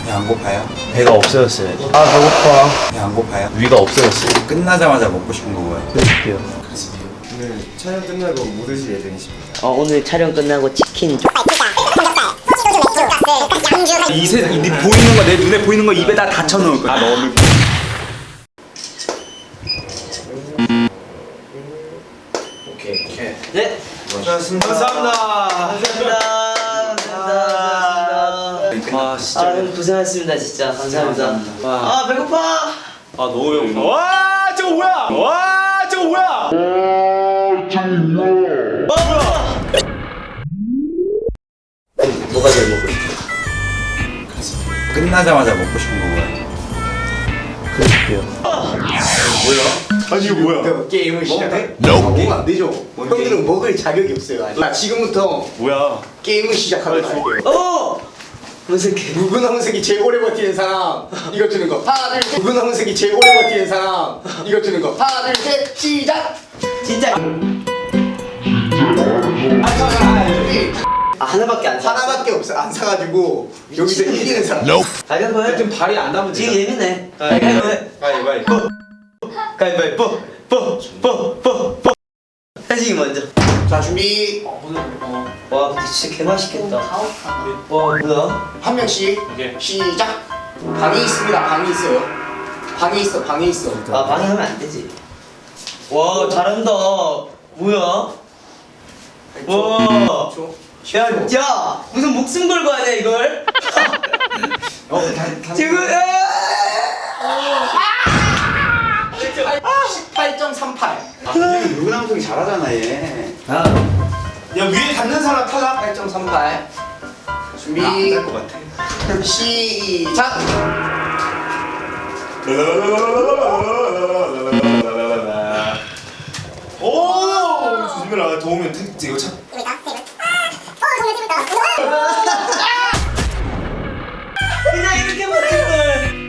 배 안 고파요? 배가 없어졌어요. 아 배고파. 배 안 고파요? 위가 없어졌어요. 끝나자마자 먹고 싶은 거 뭐예요? 드릴게요. 오늘 촬영 끝나고 뭐 드실 예정이십니까? 오늘 촬영 끝나고 치킨 이 세상 이 보이는 거 내 눈에 보이는 거 입에다 다 쳐넣을 거야. 넣을 네 고맙습니다. 감사합니다. 와 진짜. 형 고생하셨습니다 진짜 감사합니다. 아 배고파. 아 너무 배고파. 와 저거 뭐야? 와 저거 뭐야? 뭐가 제일 먹고 싶어? 끝나자마자 먹고 싶은 거 뭐예요? 드릴게요. 아니 이거 뭐야? 게임을 시작해? 먹으면 안 되죠. 형들은 먹을 자격이 없어요. 아직. 지금부터 뭐야? 게임을 시작하도록 할게요. 무슨 게? 묵은홍색이 제일 오래 버티는 사람 이거 주는 거. 하나 둘 셋. 묵은홍색이 제일 오래 버티는 사람 이거 주는 거. 하나 둘 셋. 시작. 진짜 하나밖에 안 사. 하나밖에 없어. 안 사가지고 여기서 이기는 사람. 가위바위보. 좀 발이 안 닿으면 지금 예민해. 가위바위보. 가위바위보. 뽀뽀뽀뽀. 현식이 먼저. 자 준비. 와 근데 진짜 개 맛있겠다. 와 뭐야? 한 명씩 오케이. 시작. 방이 있습니다. 방이 있어요. 방이 있어. 방이 있어. 아 방해하면 안 되지. 와 잘한다. 뭐야? 와. 야 무슨 목숨 걸고 하냐 이걸? 지금 18.38. 묵은함송이 잘하잖아 얘. 야 위에 닿는 사람 타자. 8.38. 준비. 안될것 같아. 시작. 오 조심해라. 더우면 택 이거 참. 그냥 이렇게 못할 걸.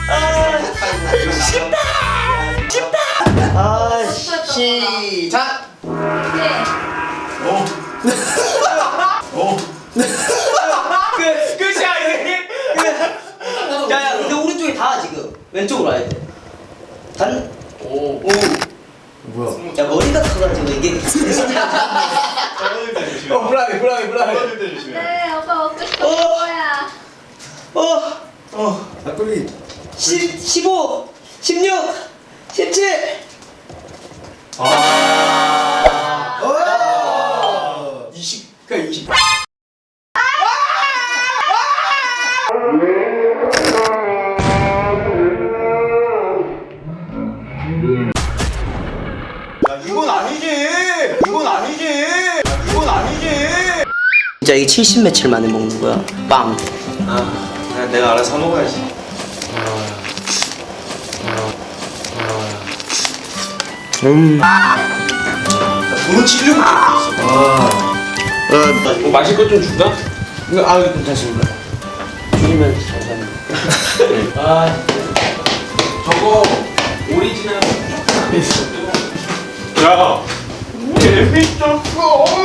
아 시작. 끝이야 이게. 야야 근데 오른쪽이 다 지금 왼쪽으로 와야 돼. 오. 뭐야? 야 머리가 커가지고 이게. 떨어질 때 조심해. 불안해. 떨어질 때 조심해. 네, 오빠 먹고 싶은 거야. 15, 16, 17. 20. 그냥 20. 이건 아니지. 이건 아니지. 이건 아니지. 진짜 이게 70 며칠 만에 먹는 거야. 빵. 그냥 내가 알아서 사 먹어야지. 돈은 치려고 있어. 마실 것 좀 줄까? 아 괜찮습니다. 주시면 감사합니다. 아 저거 오리지널 야 재밌었어.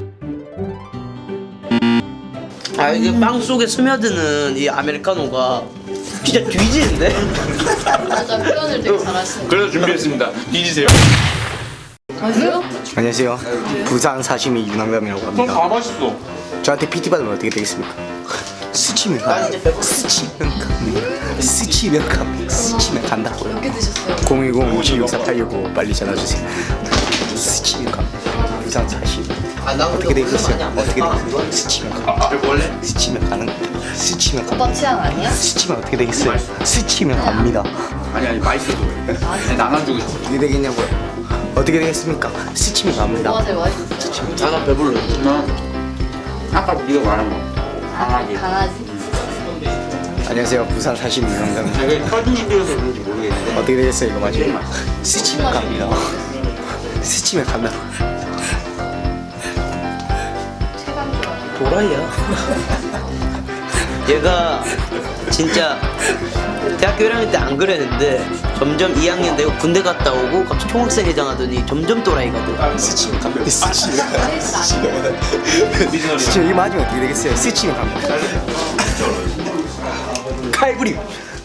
아 이게 빵 속에 스며드는 이 아메리카노가 진짜 뒤지는데? 맞아, 표현을 되게 잘하시네. 그래서 준비했습니다. 뒤지세요. 아니요? 안녕하세요. 부산 사시미 유남감이라고 합니다. 다 맛있어. 저한테 PT 받으면 어떻게 되겠습니까? 스치면 가. 난 이제 배고파. 스치면 갑니다. 스치면 갑니다. 스치면 간다고요. 몇 개 드셨어요? 010-5664-865 빨리 전화주세요. 스치면 갑니다. 부산 사시미. 나 어떻게 되겠어요? 어떻게 되겠어요? 스치면 갑니다. 원래 스치면 가는 겁니다. 스치면 오빠 갑니다. 취향 아니야? 스치면 어떻게 되겠어요? 스치면 갑니다. 아니 맛있어도 나눠주고 싶어. 어떻게 되겠냐고요? 어떻게 되겠습니까? 스치면 갑니다. 뭐가 제일 맛있었어요? 나 배불러. 아까 네가 말한 거. 강아지. 강아지? 안녕하세요. 부산 사시미 유남감입니다. 이게 터지는 데여서 그런지 모르겠는데. 어떻게 되겠어요? 이거 맞아요? 스치면 갑니다. 스치면 간다. 최강조. 도라이야. 얘가 진짜 대학교 1학년 때 안 그랬는데 점점 2학년 되고 군대 갔다 오고 갑자기 총학생회장 하더니 점점 또라이거든. 스치면 갑니다. 스치면 스치면 이거 맞으면 어떻게 되겠어요? 스치면 갑니다. 칼부림.